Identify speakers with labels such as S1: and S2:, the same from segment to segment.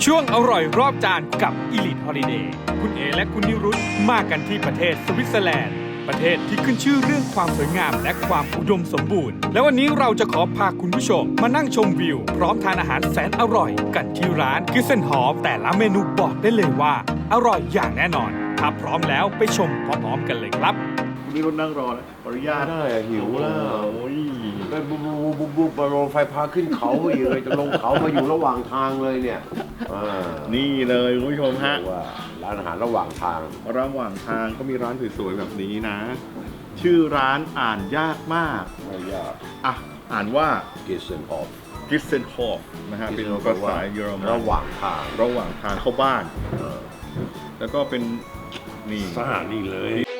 S1: ช่วงอร่อยรอบจานกับ Elite Holiday คุณเอและคุณนิรุตมากันที่ประเทศสวิตเซอร์แลนด์ประเทศที่ขึ้นชื่อเรื่องความสวยงามและความอุดมสมบูรณ์และวันนี้เราจะขอพาคุณผู้ชมมานั่งชมวิวพร้อมทานอาหารแสนอร่อยกันที่ร้านกิสเซนฮอฟแต่ละเมนูบอกได้เลยว่าอร่อยอย่างแน่นอนถ้าพร้อมแล้วไปชมพร้อมๆกันเลยครับ
S2: นี่รถนั่งรอแล้วขออนุญาต
S3: ได้หิวแล้ว
S2: โอ้ย
S3: ไปบุบมาลงไฟพาขึ้นเขาอีกเลยจะลงเขามาอยู่ระหว่างทางเลยเนี่ย
S2: นี่เลยคุณผู้ชมฮะ
S3: ว่าร้านอาหารระหว่างทาง
S2: ระหว่างทางก็มีร้านสวยๆแบบนี้นะ ชื่อร้านอ่านยากมาก
S3: ไม่ยาก
S2: อ่ะอ่านว่า
S3: กิเซนฮอฟ
S2: กิสเซนฮอฟนะฮะเป็นภาษาเยอรมัน
S3: ระหว่างทาง
S2: ระหว่างทางเข้าบ้าน แล้วก็เป็นนี่
S3: สถานีเลย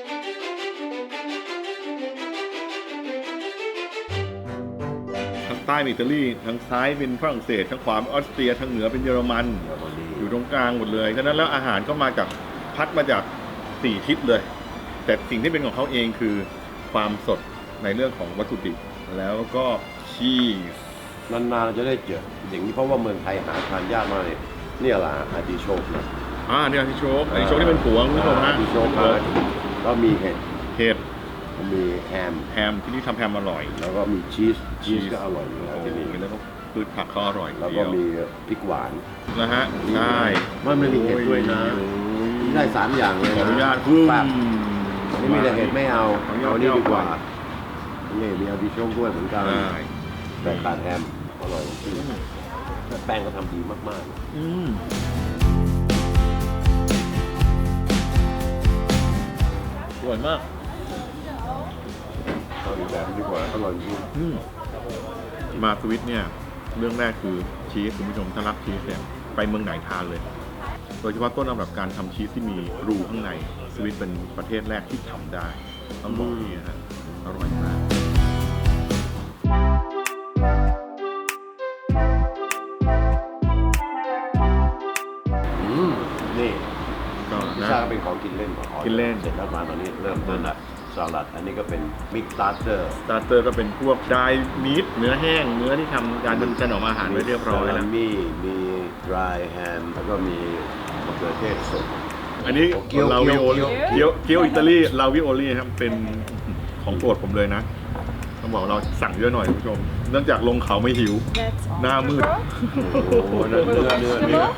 S2: ทางใต้เป็นอิตาลีทางซ้ายเป็นฝรั่งเศสทางขวาเป็นออสเตรียทางเหนือเป็นเยอรมันอยู่ตรงกลางหมดเลยฉะนั้นแล้วอาหารก็มาจากพัดมาจาก4ทิศเลย แต่สิ่งที่เป็นของเขาเองคือความสดในเรื่องของวัตถุดิบแล้วก็ชีส
S3: นานๆจะได้เจออย่างนี้เพราะว่าเมืองไทยหาทานยากมากเลยเนี่ยแหละอาร์ติโชกนะ
S2: เนี่ยอาร์ติโชกที่เป็นผัวคุณผู้ชม
S3: อา
S2: ฮะ
S3: ร์ติโชกก็มีเห็ด
S2: เห็ด
S3: มีแฮม
S2: ที่นี่ทำแฮมอร่อย
S3: แล้วก็มีชีสก็อร่อยอยู่แล้วที่นี่
S2: แล้วก็พืชผักเขาอร่อย
S3: แล้วก็มีพริกหวาน
S2: นะฮะใช่
S3: มันมีเห็ดด้วยนะได้3อย่างเลย
S2: ขอ
S3: นะ
S2: อนุญาต
S3: แบบนี่มีแต่เห็ดไม่เอาเอานี่ดีกว่านี่มีอาร์ติโชกด้วยเหมือนกันแต่ขาดแฮมอร่อยจริงแป้งก็ทำดีมาก
S2: อร่อยมาก
S3: ๆเอาอีกแบบดีกว่าอร่อยจริง
S2: มาสวิตเนี่ยเรื่องแรกคือชีสคุณผู้ชมถ้ารักชีสเนี่ยไปเมืองไหนทานเลย โดยเฉพาะต้นตำรับการทำชีสที่มีรูข้างในสวิตเป็นประเทศแรกที่ทำได้ต้องบอกนี้นะฮะอร่อยมาก
S3: นี่
S2: ก็
S3: พิซ
S2: นะ
S3: ซ่าก็เป็นของกินเล่น
S2: กินเล่น
S3: เสร็จแล้วมาตอนนี้เริ่มต้นละสลัดอันนี้ก็เป็นมิกซ์สตาร์เตอร์
S2: สตาร์เตอร์ก็เป็นพวกไดมีทเนื้อแห้งเนื้อที่ทำการถนอมอาหารไว้เรียบร้อยแล้ว
S3: มีดรายแฮมแล้วก็มีมะเขือเทศสด
S2: อันนี้
S3: เกี๊ยว
S2: ลาวิโอ
S3: เกี๊ยว
S2: เกี๊ยวอิตาลีลาวิโอลี่ครับเป็นของโปรดผมเลยนะต้องบอกเราสั่งเยอะหน่อยคุณผู้ชมเนื่องจากลงเขาไม่หิว หน้ามืด
S3: โอ้โหเนื้อ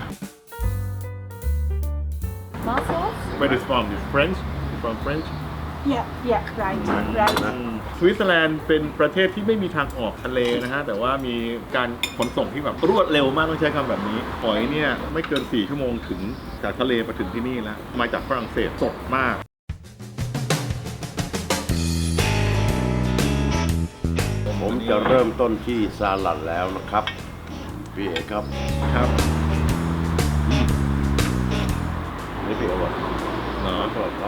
S4: Mussels?
S2: Where is from? Is French? From French?
S4: Yeah, right.
S2: สวิตเซอร์แลนด์เป็นประเทศที่ไม่มีทางออกทะเลนะฮะแต่ว่ามีการขนส่งที่แบบรวดเร็วมากต้องใช้คำแบบนี้หอยเนี่ยไม่เกิน4 ชั่วโมงถึงจากทะเลมาถึงที่นี่แล้วมาจากฝรั่งเศสสดมาก
S3: ผมจะเริ่มต้นที่สลัดแล้วนะครับพี่เอกครับ
S2: ครับ
S3: นี่พี่เอกบอก
S2: เนาะ
S3: สลัดเขา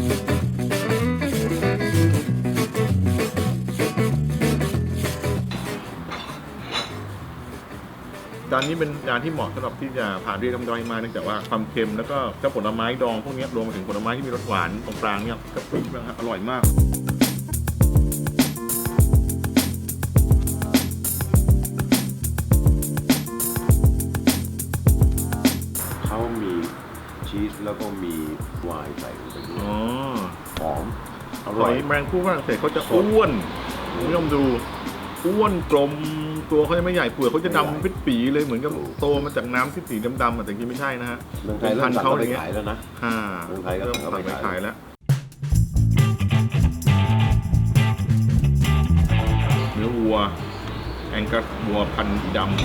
S2: จานนี้เป็นจานที่เหมาะสำหรับที่จะผ่านเรียกน้ำย่อยมาเนื่องจากว่าความเค็มแล้วก็เจ้าผลไม้ดองพวกนี้รวมไปถึงผลไม้ที่มีรสหวานตรงกลางเนี่ยก็ปริ้งนะครับอร่อยมาก
S3: เขามีชีสแล้วก็มีไวน์ใส่ลงไปด้วย
S2: อ๋อ
S3: หอมอ
S2: ห
S3: ร่
S2: อ
S3: อย
S2: ยแมงผู้ฝรั่งเศสเขาจะอ้วนคุณผู้ชมดูอ้วนกลมตัวเขาจะไม่ใหญ่เปลือกเขาจะดำปิดปีเลยเหมือนกับโตมาจากน้ำที่สีดำๆแต่จริงๆไม่ใช่นะฮะ
S3: เมืองไทยเริ่มสั่งเขาไปขายแล้วนะ เมืองไทยก็
S2: เริ่ม
S3: สั่ง
S2: สั่ง
S3: ไป
S2: ไป
S3: ขา
S2: ขาย ยแล้วเนื้อวัวแองกัสวัวพันธุ์ดำ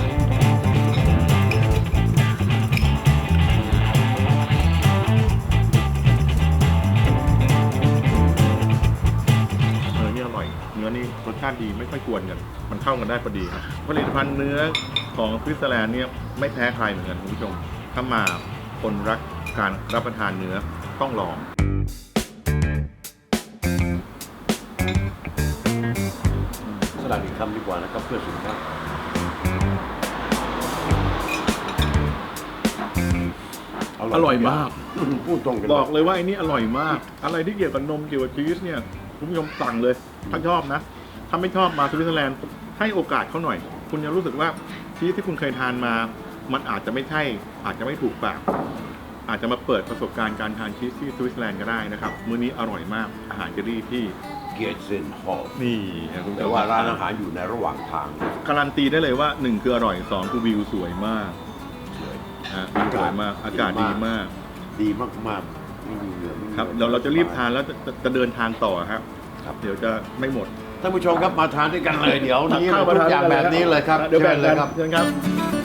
S2: นี่อร่อยเนื้อนี่รสชาติดีไม่ค่อยกวนกันมันเข้ากันได้พอดีครับผลิตภัณฑ์เนื้อของสวิตเซอร์แลนด์เนี่ยไม่แพ้ใครเหมือนกันคุณผู้ชมถ้ามาคนรักการรับประทานเนื้อต้องลอง
S3: สลัดอีกคำดีกว่านะครับเพื่อสุขภาพ
S2: อร่อยมาก
S3: พูดตรงกัน
S2: บอกเลยว่าไอ้นี่อร่อยมาก อะไรที่เกี่ยวกับนมเกี่ยวกับชีสเนี่ยคุณผู้ชมสั่งเลยถ้าชอบนะถ้าไม่ชอบมาสวิตเซอร์แลนด์ให้โอกาสเขาหน่อย คุณจะรู้สึกว่าชีสที่คุณเคยทานมามันอาจจะไม่ใช่อาจจะไม่ถูกปากอาจจะมาเปิดประสบการณ์การทานชีสที่สวิตเซอร์แลนด์ก็ได้นะครับมื้อนี้อร่อยมากอาหารอิตาลีที่
S3: เกียรติเซนฮอล
S2: นี่นะคุณผู้ช
S3: แต่
S2: ม
S3: ว่าร้านอาหารอยู่ในระหว่างทาง
S2: การันตีได้เลยว่า1คืออร่อย2คือวิวสวยมาก
S3: เฉย
S2: วิวสวยมากอากาศดีมาก
S3: ดีมากๆไม่มีเหงื่อไม่มี
S2: ครับเราจะรีบทานแล้วจะเดินทางต่อครับ
S3: ครับ
S2: เดี๋ยวจะไม่หมด
S3: ท่านผู้ชมครับมาทานด้วยกันเลยเดี๋ยวนี้ทุกอย่างแบบนี้เลยครับ
S2: เดี๋ยวแบ่ง
S3: ชิญเล
S2: กั
S3: ย
S2: น
S3: ครับ
S2: เชิญครับ